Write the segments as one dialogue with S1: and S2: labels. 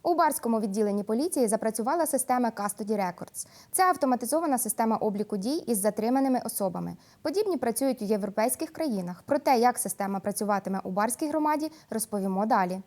S1: У Барському відділенні поліції запрацювала система Custody Records. Це автоматизована система обліку дій із затриманими особами. Подібні працюють у європейських країнах. Про те, як система працюватиме у Барській громаді, розповімо далі.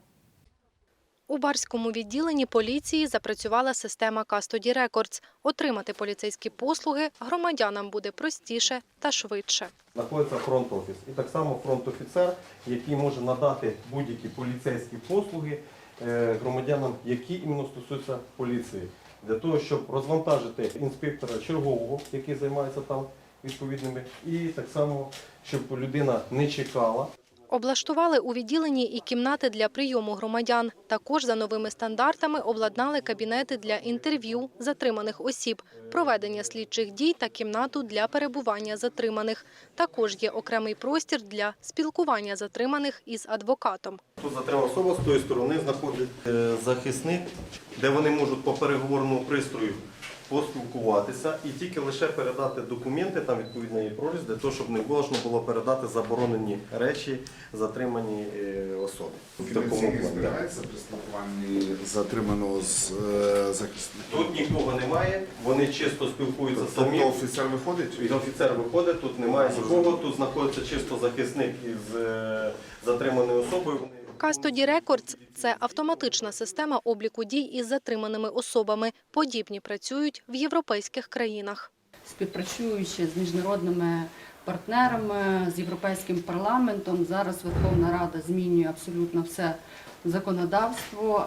S2: У Барському відділенні поліції запрацювала система Custody Records. Отримати поліцейські послуги громадянам буде простіше та швидше.
S3: Знаходиться фронт-офіс. І так само фронт-офіцер, який може надати будь-які поліцейські послуги громадянам, які іменно стосуються поліції. Для того, щоб розвантажити інспектора чергового, який займається там відповідними, і так само, щоб людина не чекала.
S2: Облаштували у відділенні і кімнати для прийому громадян. Також за новими стандартами обладнали кабінети для інтерв'ю затриманих осіб, проведення слідчих дій та кімнату для перебування затриманих. Також є окремий простір для спілкування затриманих із адвокатом.
S3: Тут затримана особа, з тої сторони знаходиться захисник, де вони можуть по переговорному пристрою поспілкуватися і тільки лише передати документи, там відповідно є проріз, для того, щоб не можна було передати заборонені речі затриманій особі.
S4: Фінансійні збирається при спілкуванні затриманого з захисником?
S3: Тут нікого немає, вони чисто спілкуються самі.
S4: Тобто офіцер виходить?
S3: І офіцер виходить, тут немає нікого, тут знаходиться чисто захисник із затриманою особою.
S2: Custody Records – це автоматична система обліку дій із затриманими особами. Подібні працюють в європейських країнах.
S5: Співпрацюючи з міжнародними партнерами, з Європейським парламентом, зараз Верховна Рада змінює абсолютно все законодавство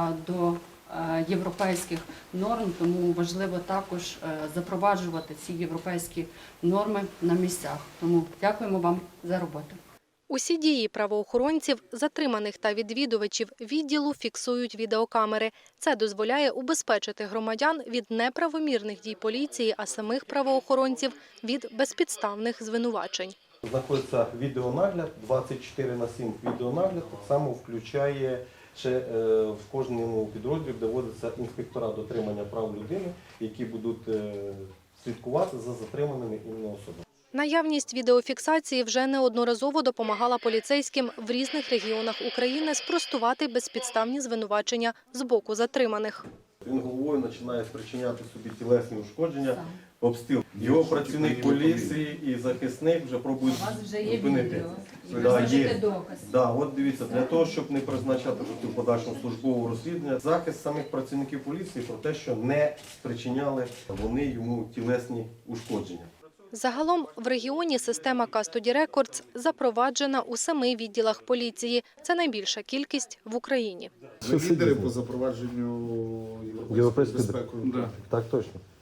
S5: до європейських норм, тому важливо також запроваджувати ці європейські норми на місцях. Тому дякуємо вам за роботу.
S2: Усі дії правоохоронців, затриманих та відвідувачів відділу фіксують відеокамери. Це дозволяє убезпечити громадян від неправомірних дій поліції, а самих правоохоронців – від безпідставних звинувачень.
S3: Знаходиться відеонагляд, 24/7 відеонагляд, так само включає ще в кожному підрозділі доводиться інспектора дотримання прав людини, які будуть слідкувати за затриманими іменно особами.
S2: Наявність відеофіксації вже неодноразово допомагала поліцейським в різних регіонах України спростувати безпідставні звинувачення з боку затриманих.
S3: Він головою починає спричиняти собі тілесні ушкодження, обстріл. Його працівник поліції і захисник вже пробують зупинити. От дивіться, для того, щоб не призначати в подальшому службове розслідування, захист самих працівників поліції про те, що не спричиняли вони йому тілесні ушкодження.
S2: Загалом в регіоні система Custody Records запроваджена у 7 відділах поліції. Це найбільша кількість в Україні.
S4: Ви лідери по запровадженню європейської безпеки?
S3: Так, точно.